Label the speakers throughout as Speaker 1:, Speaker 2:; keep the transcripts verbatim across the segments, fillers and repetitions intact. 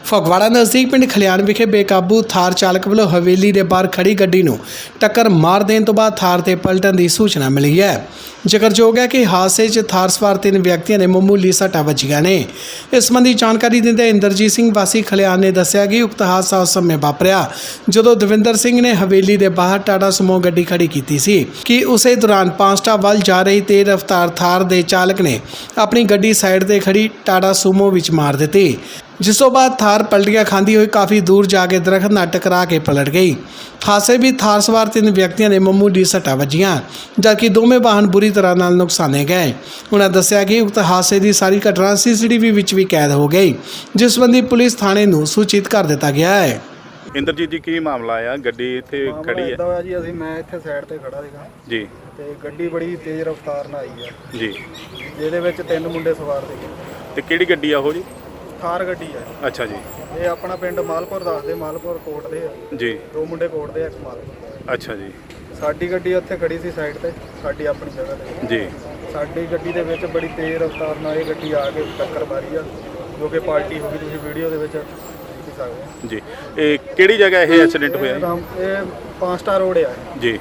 Speaker 1: ਫਗਵਾੜਾ ਨਜ਼ਦੀਕ ਪਿੰਡ ਖਲਿਆਣ ਵਿਖੇ ਬੇਕਾਬੂ ਥਾਰ ਚਾਲਕ ਵੱਲੋਂ ਹਵੇਲੀ ਦੇ ਬਾਹਰ ਖੜੀ ਗੱਡੀ ਨੂੰ ਟੱਕਰ ਮਾਰ ਦੇਣ ਤੋਂ ਬਾਅਦ ਥਾਰ ਤੇ ਪਲਟਣ ਦੀ ਸੂਚਨਾ ਮਿਲੀ ਹੈ। ਜ਼ਿਕਰਯੋਗ ਹੈ ਕਿ ਹਾਦਸੇ 'ਚ ਥਾਰ ਸਵਾਰ ਤਿੰਨ ਵਿਅਕਤੀਆਂ ਨੇ ਮਾਮੂਲੀ ਸੱਟਾਂ ਵੱਜੀਆਂ ਨੇ। ਇਸ ਸੰਬੰਧੀ ਜਾਣਕਾਰੀ ਦਿੰਦੇ ਇੰਦਰਜੀਤ ਸਿੰਘ ਵਾਸੀ ਖਲਿਆਣ ਨੇ ਦੱਸਿਆ ਕਿ ਉਕਤ ਹਾਦਸਾ ਉਸ ਸਮੇਂ ਵਾਪਰਿਆ ਜਦੋਂ ਦਵਿੰਦਰ ਸਿੰਘ ਨੇ ਹਵੇਲੀ ਦੇ ਬਾਹਰ ਟਾਟਾ ਸੁਮੋ ਗੱਡੀ ਖੜੀ ਕੀਤੀ ਸੀ ਕਿ ਉਸੇ ਦੌਰਾਨ ਪਾਂਸਟਾ ਵੱਲ ਜਾ ਰਹੀ ਤੇਜ਼ ਰਫ਼ਤਾਰ ਥਾਰ ਦੇ ਚਾਲਕ ਨੇ ਆਪਣੀ ਗੱਡੀ ਸਾਈਡ ਤੇ ਖੜੀ ਟਾਟਾ ਸੁਮੋ ਵਿੱਚ ਮਾਰ ਦਿੱਤੀ, ਜਿਸ ਤੋਂ ਬਾਅਦ ਥਾਰ ਪਲਟੀਆਂ ਖਾਂਦੀ ਹੋਈ ਕਾਫੀ ਦੂਰ ਜਾ ਕੇ ਦਰਖਤ ਨਾਲ ਟਕਰਾ ਕੇ ਪਲਟ ਗਈ। ਹਾਦਸੇ ਵਿੱਚ ਥਾਰ ਸਵਾਰ ਤਿੰਨ ਵਿਅਕਤੀਆਂ ਨੇ ਮਾਮੂਲੀ ਸੱਟਾਂ ਵੱਜੀਆਂ ਜਦਕਿ ਦੋਵੇਂ ਵਾਹਨ ਬੁਰੀ ਤਰ੍ਹਾਂ ਨਾਲ ਨੁਕਸਾਨੇ ਗਏ। ਉਹਨਾਂ ਦੱਸਿਆ ਕਿ ਉਕਤ ਹਾਦਸੇ ਦੀ ਸਾਰੀ ਘਟਨਾ ਸੀ ਸੀ ਟੀ ਵੀ ਵਿੱਚ ਵੀ ਕੈਦ ਹੋ ਗਈ, ਜਿਸ ਸੰਬੰਧੀ ਪੁਲਿਸ ਥਾਣੇ ਨੂੰ ਸੂਚਿਤ ਕਰ ਦਿੱਤਾ ਗਿਆ ਹੈ।
Speaker 2: ਇੰਦਰਜੀਤ ਜੀ, ਕੀ ਮਾਮਲਾ ਆ? ਗੱਡੀ ਇੱਥੇ ਖੜੀ ਹੈ
Speaker 3: ਇਦਾਂ ਹੋਇਆ ਜੀ, ਅਸੀਂ ਮੈਂ ਇੱਥੇ ਸਾਈਡ ਤੇ ਖੜਾ ਸੀਗਾ
Speaker 2: ਜੀ
Speaker 3: ਤੇ ਗੱਡੀ ਬੜੀ ਤੇਜ਼ ਰਫ਼ਤਾਰ ਨਾਲ ਆਈ ਆ
Speaker 2: ਜੀ,
Speaker 3: ਜਿਹਦੇ ਵਿੱਚ ਤਿੰਨ ਮੁੰਡੇ ਸਵਾਰ ਸੀਗੇ।
Speaker 2: ਤੇ ਕਿਹੜੀ ਗੱਡੀ ਆ ਉਹ ਜੀ?
Speaker 3: ਥਾਰ ਗੱਡੀ ਆ।
Speaker 2: ਅੱਛਾ ਜੀ।
Speaker 3: ਇਹ ਆਪਣਾ ਪਿੰਡ ਮਾਲਪੁਰ ਦੱਸਦੇ, ਮਾਲਪੁਰ ਕੋਟ ਦੇ ਆ
Speaker 2: ਜੀ।
Speaker 3: ਦੋ ਮੁੰਡੇ ਕੋਟ ਦੇ ਆ, ਇੱਕ ਮਾਲਪੁਰ।
Speaker 2: ਅੱਛਾ ਜੀ।
Speaker 3: ਸਾਡੀ ਗੱਡੀ ਉੱਥੇ ਖੜੀ ਸੀ ਸਾਈਡ ਤੇ, ਸਾਡੀ ਆਪਣੀ ਜਗ੍ਹਾ ਤੇ
Speaker 2: ਜੀ।
Speaker 3: ਸਾਡੀ ਗੱਡੀ ਦੇ ਵਿੱਚ ਬੜੀ ਤੇਜ਼ ਰਫ਼ਤਾਰ ਨਾਲ ਇਹ ਗੱਡੀ ਆ ਕੇ ਟੱਕਰ ਮਾਰੀ ਆ, ਜੋ ਕਿ ਪਾਰਟੀ ਹੋ ਗਈ, ਤੁਸੀਂ ਵੀਡੀਓ ਦੇ ਵਿੱਚ ਦੇਖ ਸਕਦੇ ਹੋ
Speaker 2: ਜੀ। ਇਹ ਕਿਹੜੀ ਜਗ੍ਹਾ ਇਹ ਐਕਸੀਡੈਂਟ ਹੋਇਆ?
Speaker 3: ਇਹ ਪੰਜ ਸਟਾਰ ਰੋਡ ਆ
Speaker 2: ਜੀ।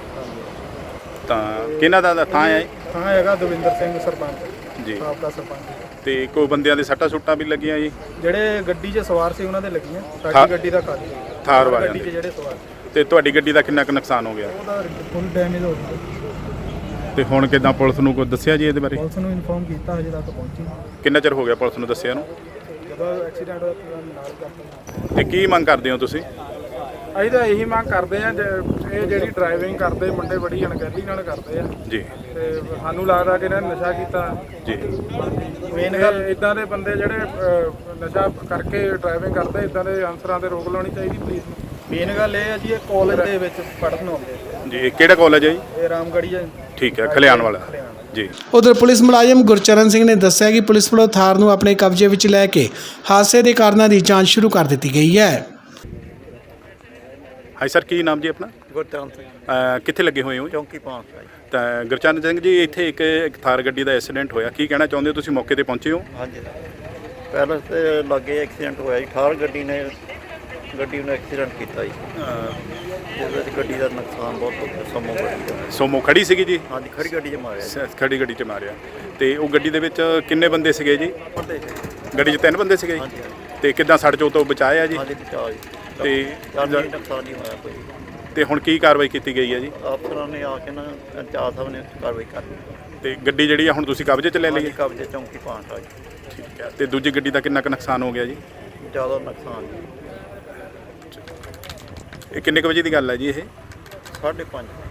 Speaker 2: ਤਾਂ ਕਿਹਨਾਂ ਦਾ ਥਾਂ ਹੈ?
Speaker 3: ਥਾਂ ਹੈਗਾ ਦਵਿੰਦਰ ਸਿੰਘ ਸਰਪੰਚ
Speaker 2: ਜੀ,
Speaker 3: ਸਾਬਕਾ ਸਰਪੰਚ।
Speaker 2: ਤੇ ਕੋਈ ਬੰਦਿਆਂ ਦੇ ਸੱਟਾਂ ਸੁੱਟਾਂ ਵੀ ਲੱਗੀਆਂ ਜੀ?
Speaker 3: ਜਿਹੜੇ ਗੱਡੀ 'ਚ ਸਵਾਰ ਸੀ ਉਹਨਾਂ ਦੇ ਲੱਗੀਆਂ, ਸਾਡੀ ਗੱਡੀ ਦਾ ਖਾਲੀ
Speaker 2: ਥਾਰ ਵਾਲਿਆਂ
Speaker 3: ਗੱਡੀ 'ਚ
Speaker 2: ਦੇ।
Speaker 3: ਜਿਹੜੇ ਸਵਾਰ
Speaker 2: ਤੇ ਤੁਹਾਡੀ ਗੱਡੀ ਦਾ ਕਿੰਨਾ ਕੁ ਨੁਕਸਾਨ ਹੋ ਗਿਆ?
Speaker 3: ਉਹਦਾ ਫੁੱਲ ਡੈਮੇਜ ਹੋ ਗਿਆ।
Speaker 2: ਤੇ ਹੁਣ ਕਿੱਦਾਂ ਪੁਲਿਸ ਨੂੰ ਕੋਈ ਦੱਸਿਆ ਜੀ ਇਹਦੇ ਬਾਰੇ?
Speaker 3: ਪੁਲਿਸ ਨੂੰ ਇਨਫੋਰਮ ਕੀਤਾ, ਹਜੇ ਤੱਕ ਪਹੁੰਚੀ ਨਹੀਂ।
Speaker 2: ਕਿੰਨਾ ਚਿਰ ਹੋ ਗਿਆ ਪੁਲਿਸ ਨੂੰ ਦੱਸਿਆ ਨੂੰ?
Speaker 3: ਜਦੋਂ ਐਕਸੀਡੈਂਟ ਹੋਇਆ ਪੂਰਾ ਨਾਲ ਕਰਤਾ।
Speaker 2: ਤੇ ਕੀ ਮੰਗ ਕਰਦੇ ਹੋ ਤੁਸੀਂ?
Speaker 3: ਅਸੀਂ ਤਾਂ ਇਹੀ ਮੰਗ ਕਰਦੇ ਆ, ਇਹ ਜਿਹੜੀ ਡਰਾਈਵਿੰਗ ਕਰਦੇ ਮੁੰਡੇ ਬੜੀ ਅਣਗਹਿਲੀ ਨਾਲ ਕਰਦੇ ਆ
Speaker 2: ਜੀ।
Speaker 3: ਤੇ ਸਾਨੂੰ ਲੱਗਦਾ ਕਿ ਇਹਨਾਂ ਨੇ ਨਸ਼ਾ ਕੀਤਾ
Speaker 2: ਜੀ।
Speaker 3: ਮੇਨ ਗੱਲ ਇਦਾਂ ਦੇ ਬੰਦੇ ਜਿਹੜੇ ਅਹ, ਨਸ਼ਾ ਕਰਕੇ ਡਰਾਈਵਿੰਗ ਕਰਦੇ, ਇਦਾਂ ਦੇ ਅਨਸਰਾਂ ਤੇ ਰੋਕ ਲਾਉਣੀ ਚਾਹੀਦੀ ਪੁਲਿਸ ਨੂੰ। ਮੇਨ ਗੱਲ ਇਹ ਆ ਜੀ, ਇਹ ਕਾਲਜ ਦੇ ਵਿੱਚ ਪੜ੍ਹਨ ਆਉਂਦੇ
Speaker 2: ਜੀ। ਕਿਹੜਾ ਕਾਲਜ ਹੈ ਜੀ?
Speaker 3: ਇਹ ਰਾਮਗੜ੍ਹੀ ਹੈ।
Speaker 2: ਠੀਕ ਹੈ, ਖਲਿਆਣ ਵਾਲਾ ਜੀ।
Speaker 1: ਉਧਰ ਪੁਲਿਸ ਮੁਲਾਜ਼ਮ ਗੁਰਚਰਨ ਸਿੰਘ ਨੇ ਦੱਸਿਆ ਕਿ ਪੁਲਿਸ ਵੱਲੋਂ ਥਾਰ ਨੂੰ ਆਪਣੇ ਕਬਜ਼ੇ ਵਿੱਚ ਲੈ ਕੇ ਹਾਦਸੇ ਦੇ ਕਾਰਨਾਂ ਦੀ ਜਾਂਚ ਸ਼ੁਰੂ ਕਰ ਦਿੱਤੀ ਗਈ ਹੈ।
Speaker 2: ਹਾਈ ਸਰ, ਕੀ ਨਾਮ ਜੀ ਆਪਣਾ?
Speaker 3: ਗੁਰਚਰਨ ਸਿੰਘ,
Speaker 2: ਕਿੱਥੇ ਲੱਗੇ ਹੋਏ ਹੋ?
Speaker 3: ਚੌਂਕੀ ਪਾਸ।
Speaker 2: ਤਾਂ ਗੁਰਚਰਨ ਸਿੰਘ ਜੀ, ਇੱਥੇ ਇੱਕ ਇੱਕ ਥਾਰ ਗੱਡੀ ਦਾ ਐਕਸੀਡੈਂਟ ਹੋਇਆ, ਕੀ ਕਹਿਣਾ ਚਾਹੁੰਦੇ ਹੋ? ਤੁਸੀਂ ਮੌਕੇ ਤੇ ਪਹੁੰਚੇ ਹੋ?
Speaker 4: ਹਾਂਜੀ, ਪਹਿਲਾਂ ਤੇ ਲੱਗੇ ਐਕਸੀਡੈਂਟ ਹੋਇਆ ਜੀ। ਥਾਰ ਗੱਡੀ ਨੇ ਗੱਡੀ ਨੂੰ ਐਕਸੀਡੈਂਟ ਕੀਤਾ ਜੀ, ਜਿਹਦੇ ਵਿੱਚ ਗੱਡੀ ਦਾ ਨੁਕਸਾਨ ਬਹੁਤ ਹੋ ਗਿਆ। ਸੋਮੋ ਗੱਡੀ ਦਾ।
Speaker 2: ਸੋਮੋ ਖੜੀ ਸੀਗੀ ਜੀ?
Speaker 4: ਹਾਂਜੀ, ਖੜੀ ਗੱਡੀ 'ਚ ਮਾਰਿਆ ਜੀ।
Speaker 2: ਸ- ਖੜੀ ਗੱਡੀ 'ਚ ਮਾਰਿਆ। ਤੇ ਉਹ ਗੱਡੀ ਦੇ ਵਿੱਚ ਕਿੰਨੇ ਬੰਦੇ ਸੀਗੇ ਜੀ?
Speaker 4: ਬੰਦੇ
Speaker 2: ਗੱਡੀ 'ਚ ਤਿੰਨ ਬੰਦੇ ਸੀਗੇ
Speaker 4: ਹਾਂਜੀ
Speaker 2: ਜੀ। ਤੇ ਕਿੱਦਾਂ ਸੜ ਚੋਂ ਤੋਂ ਬਚਾਇਆ ਜੀ?
Speaker 4: ਹਾਂਜੀ, ਬਚਾਅ ਜੀ।
Speaker 2: ਤੇ
Speaker 4: ਜਾਨੀ ਨੁਕਸਾਨ ਨਹੀਂ ਹੋਇਆ ਕੋਈ।
Speaker 2: ਤੇ ਹੁਣ ਕੀ ਕਾਰਵਾਈ ਕੀਤੀ ਗਈ ਹੈ ਜੀ?
Speaker 4: ਅਫਸਰਾਂ ਨੇ ਆ ਕੇ ਨਾ ਚਾਰ ਸਾਹਿਬ ਨੇ ਕਾਰਵਾਈ ਕਰ ਲਈ।
Speaker 2: ਤੇ ਗੱਡੀ ਜਿਹੜੀ ਆ ਹੁਣ ਤੁਸੀਂ ਕਬਜ਼ੇ 'ਚ ਲੈ ਲਈ
Speaker 4: ਹਾਂਜੀ,
Speaker 2: ਹੈ?
Speaker 4: ਕਬਜ਼ੇ ਚੌਂਕੀ ਪਾਸ ਆ ਜੀ।
Speaker 2: ਠੀਕ ਹੈ। ਤੇ ਦੂਜੀ ਗੱਡੀ ਦਾ ਕਿੰਨਾ ਕੁ ਨੁਕਸਾਨ ਹੋ ਗਿਆ ਜੀ?
Speaker 4: ਜ਼ਿਆਦਾ ਨੁਕਸਾਨ ਜੀ।
Speaker 2: ਇਹ ਕਿੰਨੇ ਕੁ ਵਜੇ ਦੀ ਗੱਲ ਹੈ ਜੀ ਇਹ?
Speaker 4: ਸਾਢੇ ਪੰਜ